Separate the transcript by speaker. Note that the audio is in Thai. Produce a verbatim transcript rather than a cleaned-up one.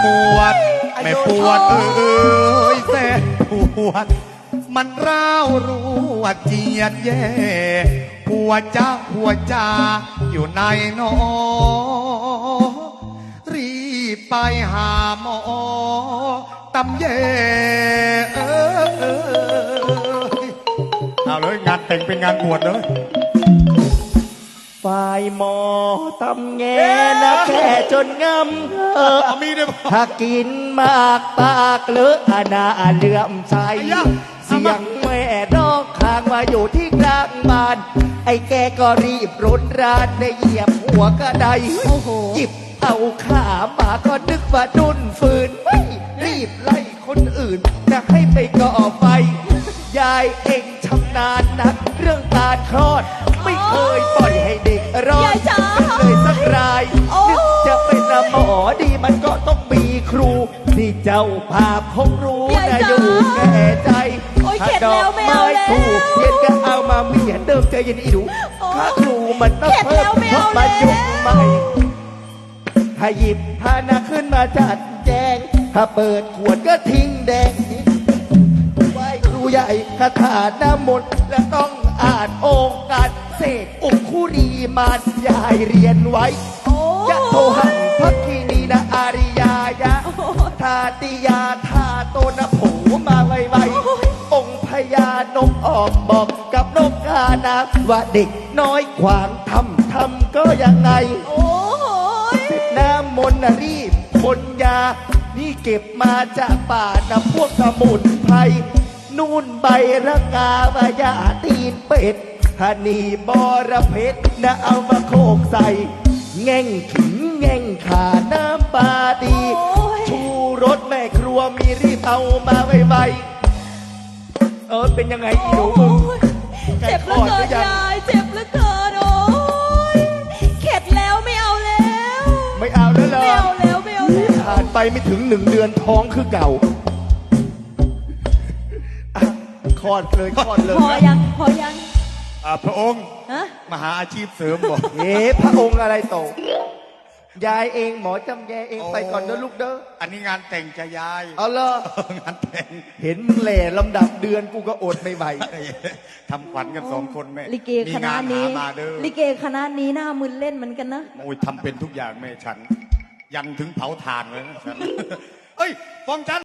Speaker 1: วดไม่ปวดเอ้ยแสนปวดมันร้าวรู้ว่าเจียดแย่หัวจ้าหัวจาอยู่ในนอรีบไปหาหมอตำแย่เออเออเอาเลยงานแต่งเป็นงานบวชเลย
Speaker 2: ฝ่ายหมอตำแงนะแค่จนงำเออ
Speaker 1: มีด้วย
Speaker 2: ถ้ากินมากปากเลอะอาณาเลื่อมใสเสียงแม่ร้องข้างมาอยู่ที่กลางบ้านไอ้แกก็รีบรุนรานได้เหยียบหัวกระไดจิบเอาขามาก็นึกว่าดุนฟืนไม่รีบไล่คนอื่นจะให้ไปก่อไฟยายเองชำนาญนักเรื่องการคลอดไม่เคยปล่อยให้เด็กรอดเลยสักรายนึกจะเป็นหมอดีมันก็ต้องมีครูที่เจ้าภาพคงรู้นะอยู่แก่ใจถ้าดอกไม้ถูกเทียนก็เอามาเมียนเดิมใจเย็นอีดูถ้าครูมันต้องเพิ่มเพราะมันยุคใหม่ถ้าหยิบพานาขึ้นมาจัดแจงถ้าเปิดขวดก็ทิ้งแดงไหว้ครูใหญ่คาถาน้ำมนต์และต้องอ่านองค์การเสกอุคุรีมานยายเรียนไว้ยะโทหังพักคีนีนะอาริยายะทาติยาทาโตนะโผมาไวๆองค์พญานกออกบอกกับนกกานาว่าเด็กน้อยขวางทำทำก็ยังไงน้ำมนต์รีบคนยานี่เก็บมาจากป่านะพวกสมุนไพรนู่นใบระกาบายาตีนเป็ดฮันีบอระเพ็ดนะเอามาโคกใส่แง่งขิงแง่งขาน้ำปลาดีชูรสแม่ครัวมีรีบเอามาไวๆเออเป็นยังไงอีหนูมึง
Speaker 3: เจ็บเหลือเกินยายเจ็บเหลือเกินโอ้ยเข็ดแล้วไม่เอาแล้ว
Speaker 2: ไม่เอาแล้วเหรอ
Speaker 3: ไม่เอาแล้วไม่เอาแล้ว
Speaker 2: ผ่านไปไม่ถึงหนึ่งเดือนท้องคือเก่าคลอดเลยคลอดเลย
Speaker 3: พอยังพอยัง
Speaker 1: พระองค์
Speaker 3: ฮะ
Speaker 1: มหาอาชีพเสริมบอก
Speaker 2: เอ๊ะพระองค์อะไรโตยายเองหมอจำแยเองไปก่อนเด้อลูกเด้อ
Speaker 1: อันนี้งานแต่งจะยาย
Speaker 2: เอาเลย
Speaker 1: งานแต่ง
Speaker 2: เห็นมึงแหล่ลำดับเดือนกูก็อดไม่ไหว
Speaker 1: ทำขวัญกันสองคนแม่
Speaker 3: ลิเกคณะนี้ลิเกคณะนี้หน้ามึนเล่นเหมือนกันนะ
Speaker 1: โอ้ยทำเป็นทุกอย่างแม่ฉันยันถึงเผาถ่านเลยนะฉันเอ้ยฟองจัน